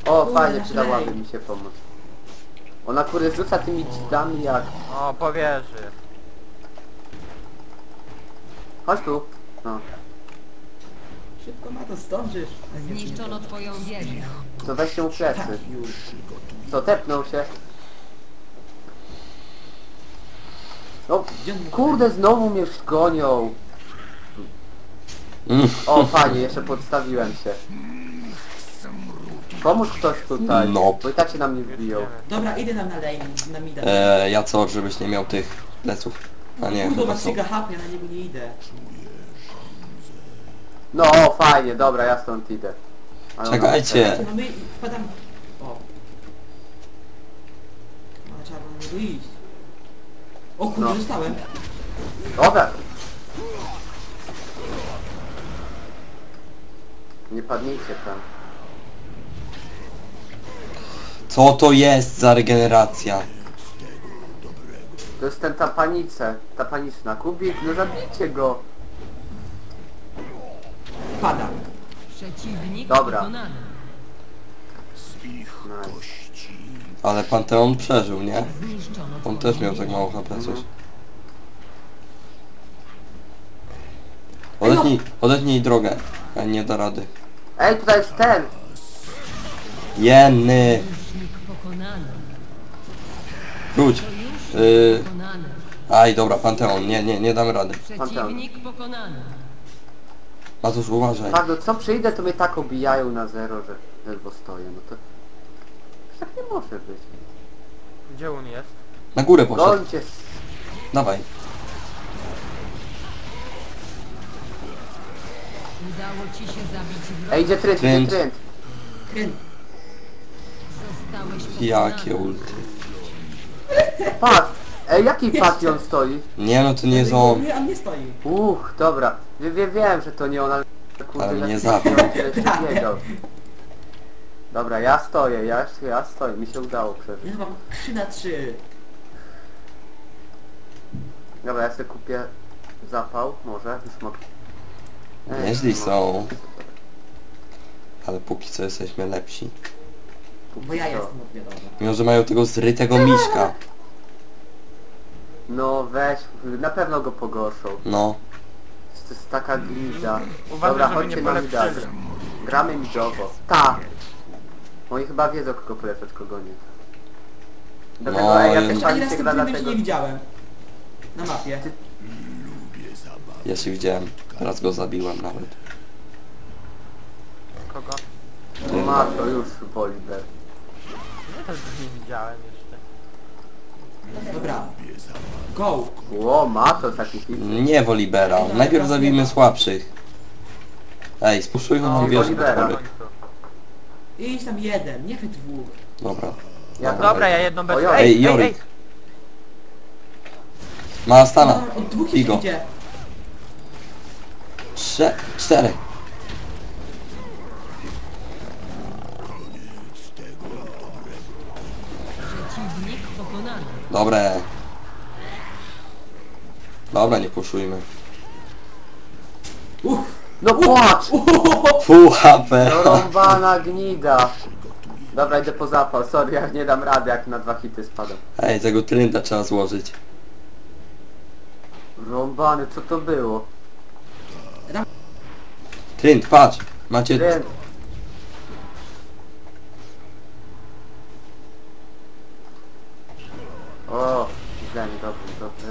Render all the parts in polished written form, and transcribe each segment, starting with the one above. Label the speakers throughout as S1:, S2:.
S1: O,
S2: Kurde,
S1: fajnie,
S2: nasz
S1: przydałaby
S2: lej.
S1: mi się pomóc. Ona kurde rzuca tymi dzidami jak...
S3: O, powierzy.
S1: Chodź tu. No.
S2: Szybko ma to zdążysz. A nie,
S4: Zniszczono twoją wieżę.
S1: To weźcie mu plecy.
S2: Tak, już.
S1: Co, tepnął się? No,
S2: Gdzie on
S1: kurde, znowu mnie gonią. O, fajnie, jeszcze podstawiłem się. Pomóż ktoś tutaj,
S5: No.
S1: bo i tak się na mnie wbiją.
S2: Dobra, idę nam na lane, na mida.
S5: Ja co, żebyś nie miał tych pleców? A nie,
S2: Kurde,
S5: chyba
S2: ma
S5: są.
S2: ciga hap, ja na niego nie idę.
S1: No, o, fajnie, dobra, ja stąd idę. Ale ona-
S5: Czekajcie.
S2: No my wpadam... O. No, trzeba było na niego iść. O kurde,
S1: No.
S2: dostałem.
S1: Dobra. Nie padnijcie tam.
S5: Co to jest za regeneracja?
S1: To jest ten ta paniczna. Kubik, no zabijcie go.
S2: Pada.
S4: Przeciwnik
S1: Dobra.
S4: pokonany.
S1: Nice.
S5: Ale Panteon przeżył, nie?
S4: Zniszczono
S5: On
S4: twoją
S5: też miał tak
S4: wieżę.
S5: mało HP coś.
S2: Ej, no.
S5: Odetnij drogę. A nie da rady.
S1: Ej, tutaj jest ten.
S5: Jenny!
S4: Sojusznik pokonany.
S5: Wróć!
S4: Sojusznik pokonany.
S5: Aj, dobra, Panteon. Nie damy rady.
S4: Przeciwnik pokonany.
S5: Matusz, uważaj.
S1: Tak, no co przyjdę, to mnie tak obijają na zero, że ledwo stoję. No to... Tak nie może być.
S3: Gdzie on jest?
S5: Na górę poszedł.
S1: Gońcie.
S5: Dawaj.
S4: Udało ci się zabić wroga.
S1: Ej, idzie trend,
S5: Trend.
S1: idzie trend.
S2: Kryn.
S4: Zostałeś pokonany.
S5: Jakie ulty.
S1: Patrz. Ej, jaki Pation stoi?
S5: Nie no, to nie jest on.
S2: Nie, on nie stoi.
S1: Dobra. Wiem, że to nie on, ale... Kurde,
S5: Ale mnie
S1: jak
S5: zabił.
S1: on tyle się biegał. Dobra, ja stoję, ja stoję. Mi się udało przeżyć.
S2: Ja mam 3-3.
S1: Dobra, ja sobie kupię zapał, może, już mogę.
S5: Nieźli
S1: no.
S5: są. Ale póki co jesteśmy lepsi.
S2: Bo ja jestem od wiadomo.
S5: Mimo, że mają tego zrytego miśka.
S1: No weź, na pewno go pogorszą.
S5: No.
S1: To jest taka glida.
S3: Uważaj,
S1: Dobra,
S3: żeby
S1: chodźcie
S3: nie
S1: na
S3: polepszyli.
S1: midagę. Gramy midowo. Ta! Oni chyba wiedzą kogo polecać, kogo nie. Dlatego,
S5: No,
S1: ej, ja
S5: ja-
S1: też
S2: Jeszcze ani raz
S1: się
S2: w tym
S1: gra
S2: filmie
S1: dlatego...
S2: nie widziałem. Na mapie.
S5: Ja się widziałem. Teraz go zabiłem nawet.
S3: Kogo?
S1: No ma to już Woliber.
S3: Ja też go nie widziałem jeszcze.
S2: Dobra. Go.
S1: Ło, ma to taki hit.
S5: Nie Wolibera. Najpierw zabijmy słabszych. Ej, spuszczujmy nam wieżę do
S1: Wolibera.
S5: góry.
S2: Idź tam jeden, nie wy dwóch.
S5: Dobra.
S1: Ja-
S3: Dobra, ja jedną bez...
S1: Oj,
S5: Ej, Jorik. Ma stana.
S2: Od dwóch
S5: Figo.
S2: jeszcze idzie.
S5: 4.
S4: Przeciwnik pokonany.
S5: Dobre. Dobra, nie puszujmy.
S1: No płacz!
S5: Full HP.
S1: Rąbana gnida. Dobra, idę po zapał. Sorry, ja nie dam rady, jak na 2 hity spadam.
S5: Ej, tego trynda trzeba złożyć.
S1: Rąbany, co to było?
S5: Trynd, patrz. Macie...
S1: Trend. O, źle, dobrze.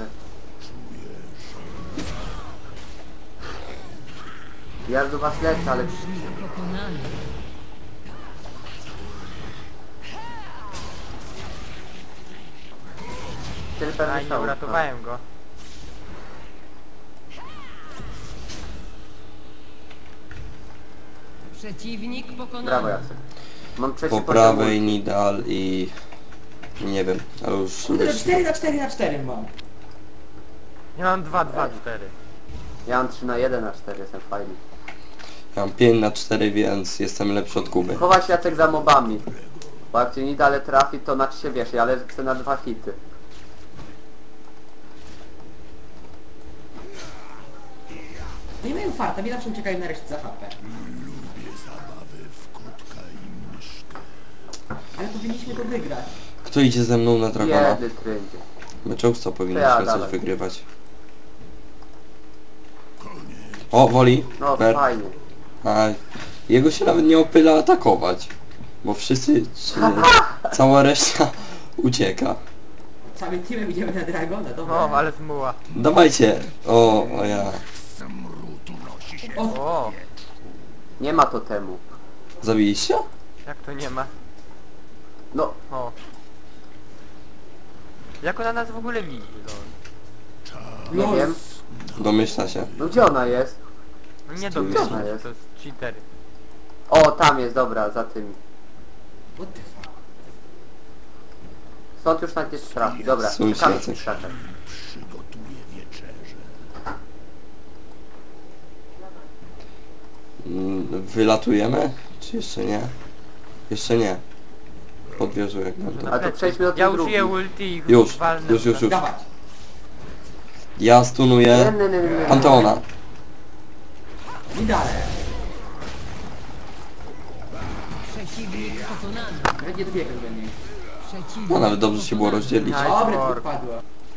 S1: Ja do was lecę, ale...
S4: Sojusznik pokonany.
S1: Tyle
S3: A,
S1: pewnie
S3: nie
S1: szału.
S3: uratowałem go.
S4: Przeciwnik pokonany.
S1: Brawo, Jacek. Mam trzeci
S5: Po
S1: poziom
S5: prawej
S1: ulti.
S5: Nidal i... Nie wiem, ale już...
S2: Kurde, 4-4-4 mam.
S3: Ja mam 2-2-4.
S1: Ja mam 3 na 1 na 4, jestem fajny.
S5: Ja mam 5 na 4, więc jestem lepszy od Kuby.
S1: Chować Jacek za mobami. Bo jak cię nie dalej trafi, to na się wiesz, ale chcę na 2 hity.
S2: No i mają farta, mi zawsze uciekają na resztę za HP. Ale powinniśmy to wygrać.
S5: Kto idzie ze mną na dragona?
S1: Biedny tryndzie.
S5: My często powinniśmy
S1: Ja,
S5: coś
S1: dawaj.
S5: wygrywać. O, woli.
S1: No
S5: Ber.
S1: fajnie.
S5: A jego się nawet nie opyla atakować. Bo wszyscy, cała reszta ucieka.
S2: Całym teamem idziemy na Dragona, dobra.
S3: O, ale zmuła.
S5: Dawajcie. O ja.
S3: O,
S1: Nie ma totemu.
S5: Zabiliście?
S3: jak to nie ma?
S1: No,
S3: O. Jak ona nas w ogóle widzi, no?
S1: nie wiem.
S5: Domyśla się.
S1: No gdzie ona jest?
S3: Nie
S5: Gdzie
S3: domyślam
S1: ona
S3: się,
S1: jest?
S3: to jest cheater.
S1: O, tam jest, dobra, za tym.
S2: What the fuck?
S1: Stąd już nawet nie trafi. Dobra,
S5: Słyszę,
S1: czekamy w
S5: Jacek.
S1: tych krzakach.
S5: Wylatujemy? Czy jeszcze nie? Jeszcze nie. Podwierzę jak będę.
S1: A to przejdźmy do
S3: Ja
S1: tych
S3: użyję
S1: drugich.
S3: ulti i
S5: Już,
S3: walnę.
S5: już.
S2: Dawać.
S5: Ja
S1: Nie,
S5: stunuję
S1: nie.
S5: Panteona.
S2: I dalej.
S4: Przeciwnik pokonany.
S2: Nawet nie dobiegłem do niej.
S4: Przeciwnik
S5: No nawet dobrze się było
S4: pokonany.
S5: rozdzielić.
S3: Aj,
S2: Dobre,
S3: pork.
S2: tu padło.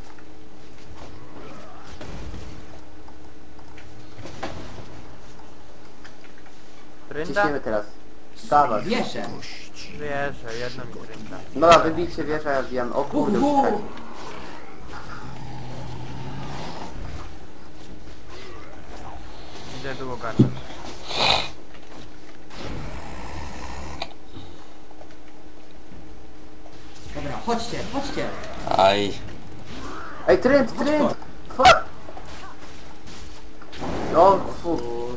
S3: Trynda?
S1: Ciśniemy teraz. Dawaj.
S2: Wieszę.
S3: Wierzę, jedno mi trynda.
S1: Dobra, wybijcie wieżę, ja wbijam. O kurde, uciekaj.
S3: Idę długo garnąć.
S2: Dobra, chodźcie, chodźcie.
S5: Aj.
S1: Ej, trend! Fuck! No, fu.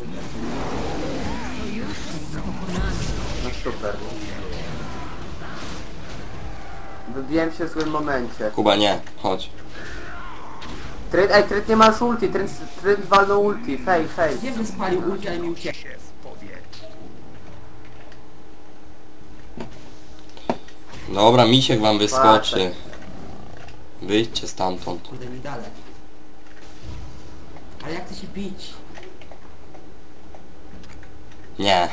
S4: Sojusznik pokonany.
S1: No super. Wybiłem się w złym momencie.
S5: Kuba nie, chodź.
S1: Trend nie masz ulti, trend walnął ulti, fej.
S2: Wiem, że spalił ulti, ale mi uciekł.
S5: Dobra, misiek wam wyskoczy. Wyjdźcie stamtąd.
S2: Kurde, mi dalej. Ale jak chcę się bić?
S5: Nie.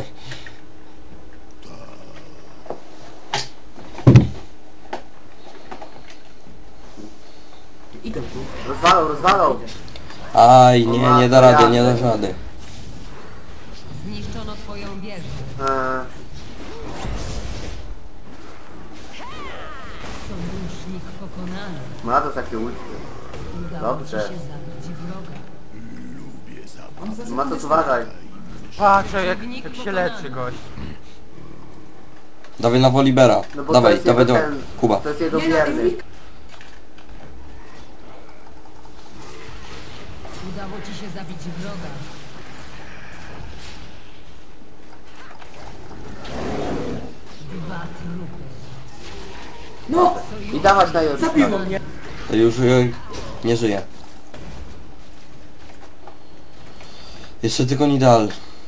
S2: Idę tu.
S1: Rozwalał.
S5: Aj, nie da rady, nie da rady.
S4: Zniszczono twoją wieżę. Sojusznik pokonany.
S1: Ma to takie ulti.
S4: Udało
S1: Dobrze.
S4: ci się zabić wroga.
S2: On za
S1: Ma to
S2: sekundę
S1: uważaj.
S3: Patrzę jak się leczy gość.
S5: Dawaj na Wolibera.
S1: No bo
S5: Dawaj,
S1: to jest
S5: dawaj
S1: jego
S5: do
S1: ten,
S5: Kuba.
S1: To jest jego
S2: Nie, no,
S1: wierny.
S2: Emilka.
S4: Udało ci się zabić wroga. Dwa trupy.
S2: No!
S1: I dawać na jego.
S2: Zabiło mnie!
S5: To już nie żyje. Jeszcze tylko Nidal.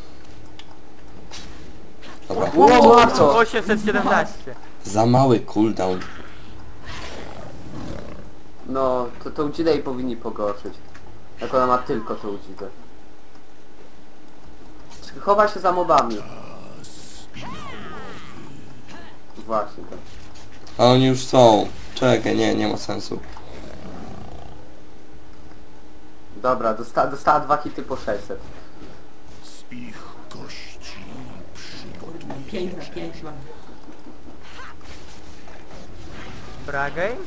S5: Dobra.
S1: Ło, łatwo.
S3: 817.
S5: Za mały cooldown.
S1: No, to ucidę i powinni pogorszyć. Jak ona ma tylko to ucidę. Chowa się za mobami. Właśnie tak.
S5: A oni już są. Czekaj, nie ma sensu.
S1: Dobra, dostała 2 hity po 600.
S2: 5 na 5 mam.
S3: Bragej?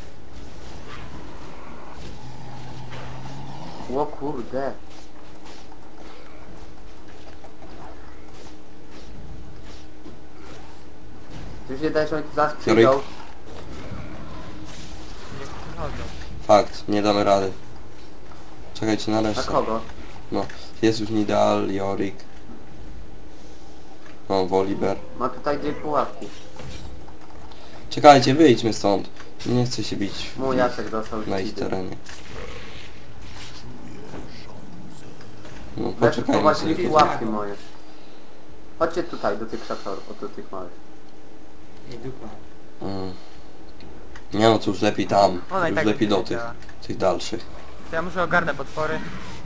S1: O kurde. Ty już nie dajesz, oni tu zaraz przyjdą.
S5: Jorik.
S3: Niech przychodzą.
S5: Fakt, nie damy rady. Czekajcie na
S1: Na
S5: resztę.
S1: kogo?
S5: No, jest już Nidal, Jorik. No, Woliber.
S1: Ma tutaj 2 pułapki.
S5: Czekajcie, wyjdźmy stąd. Nie chcę się bić
S1: Mój Jacek dostał
S5: na ich
S1: hity.
S5: terenie. No,
S1: Lecz
S5: poczekajmy
S1: prowadzili
S5: sobie.
S1: pułapki moje. Chodźcie tutaj, do tych krzaczorów, do tych małych.
S2: Nie, dupa.
S5: Nie no, to już lepiej tam.
S3: Ona i
S5: Już
S3: tak
S5: lepiej do tych,
S3: wiedziała.
S5: tych dalszych.
S3: To ja muszę ogarnę potwory.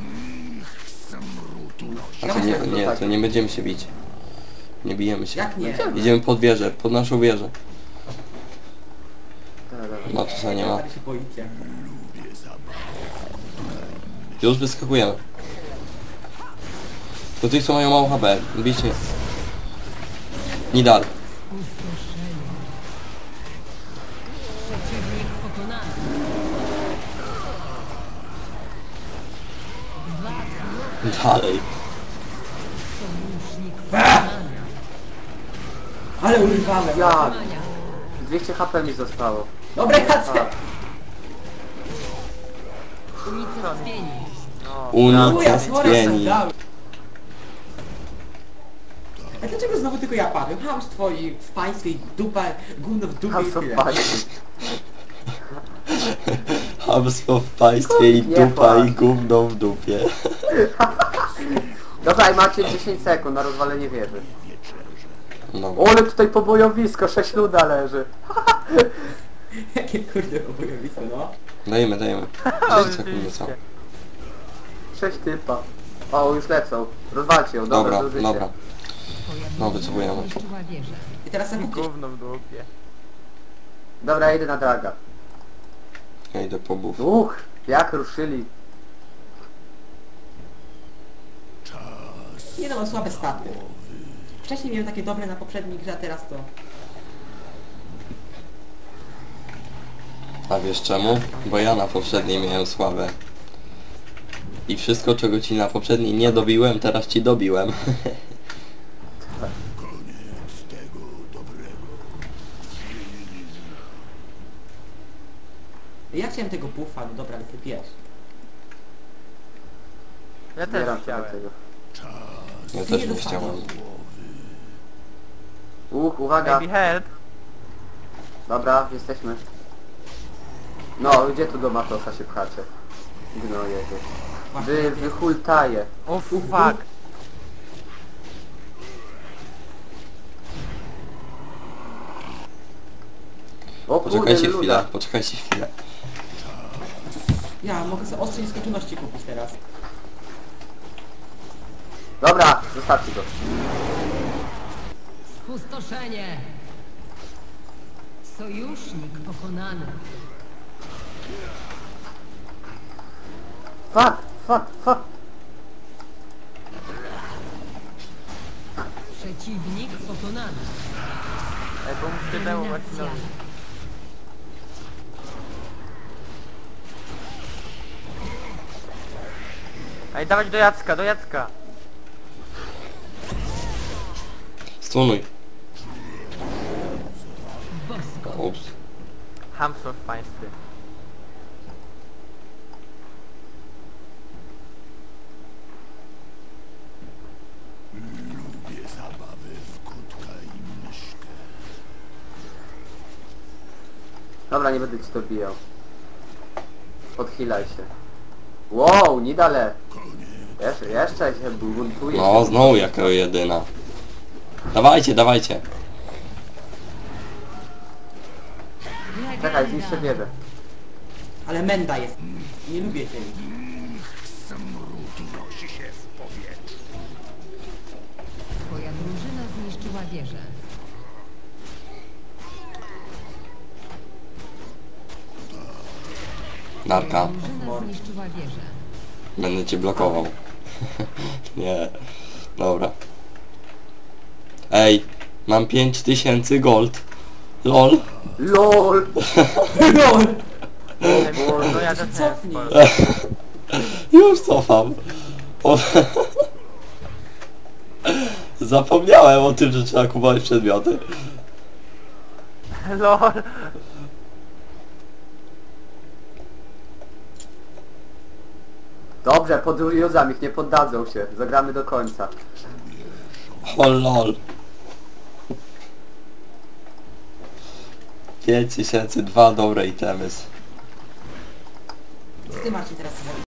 S5: A to nie, to nie będziemy się bić. Nie bijemy się.
S2: Jak nie?
S5: Idziemy pod wieżę, pod naszą wieżę. No to co nie ma.
S2: Ale się boicie.
S5: Już wyskakujemy. Do tych co mają mało HP. Bijcie. Nidal.
S4: Spustoszenie. Przeciwnik pokonany. Dwa trupy.
S5: Dalej.
S4: Sojusznik pokonany.
S2: Ale urwałem.
S1: Jak?
S4: Mania.
S1: 200 HP mi zostało.
S2: Dobra, Jacek!
S4: Unicestwieni.
S2: Uja, sorry,
S5: Unicestwieni.
S2: dałem. A dlaczego znowu tylko ja padłem? Chamstwo i w państwie i dupa, gówno w dupie
S1: A
S2: i
S1: co
S2: tyle.
S1: pani?
S5: Hamstwo w państwie i
S1: Nie
S5: dupa
S1: płacz.
S5: i gówno w dupie.
S1: Dobra, i macie 10 sekund na rozwalenie wieży.
S5: No.
S1: O, ale tutaj pobojowisko, 6 luda leży.
S2: Jakie kurde obojowisko, no.
S5: Dajemy. 6 sekund są.
S1: 6 typa. O, już lecą. Rozwalcie ją, dobra,
S5: Dobra,
S1: zużycie.
S5: dobra.
S4: Twoja
S5: No,
S4: drużyna
S5: wycofujemy.
S4: zniszczyła wieżę.
S2: I teraz sobie gdzieś...
S3: Gówno w dupie.
S1: Dobra, ja idę na draga.
S5: Ja idę po buff.
S1: Jak ruszyli.
S2: Nie no, mam słabe staty. Wcześniej miałem takie dobre na poprzedniej grze, a teraz to...
S5: A wiesz czemu? Bo ja na poprzedniej miałem słabe. I wszystko czego ci na poprzedniej nie dobiłem, teraz ci dobiłem.
S2: Ja chciałem tego buffa, no dobra, ale ty wiesz.
S3: Ja też
S1: Zbieram się do
S3: chciałem.
S1: tego.
S5: Ja
S2: Ty
S5: też
S2: nie
S5: bym
S2: dostaniesz.
S5: chciałem.
S1: Uwaga.
S3: Maybe help.
S1: Dobra, jesteśmy. No, gdzie tu do Matosa się pchacie? Gnoje wy. Wy hultaje.
S3: O fuck.
S1: O kurde,
S5: Poczekajcie
S1: luda.
S5: chwilę, poczekajcie chwilę.
S2: Ja mogę sobie ostrze nieskończoności kupić teraz.
S1: Dobra, zostawcie go.
S4: Spustoszenie. Sojusznik pokonany.
S1: Fuck.
S4: Przeciwnik pokonany.
S3: Ej, bo muszę temu
S4: Eliminacja.
S3: Marcinowi. Ej, dawać do Jacka, do Jacka.
S5: Stunuj.
S4: Bosko.
S5: Ups.
S3: Hamstwo w państwie.
S1: Dobra, nie będę ci to bijał. Podchilaj się. Wow, Nidale. Jeszcze się buntuje.
S5: No, znowu jako jedyna. Dawajcie.
S1: Czekaj, zniszczę wieżę.
S2: Ale menda jest. Nie lubię tej.
S4: Twoja drużyna zniszczyła wieżę.
S5: Narka.
S4: Drużyna zniszczyła wieżę.
S5: Będę cię blokował. Nie. Dobra. Ej, mam 5000 gold. LOL.
S1: LOL!
S2: LOL!
S3: No ja też miałem
S2: Cofnij.
S3: sporo.
S5: Już cofam. O... Zapomniałem o tym, że trzeba kupować przedmioty.
S3: LOL.
S1: Dobrze, pod Juzam ich nie poddadzą się. Zagramy do końca.
S5: O lol. 5002 dobre itemy.
S2: Co ty Marcin teraz zrobisz?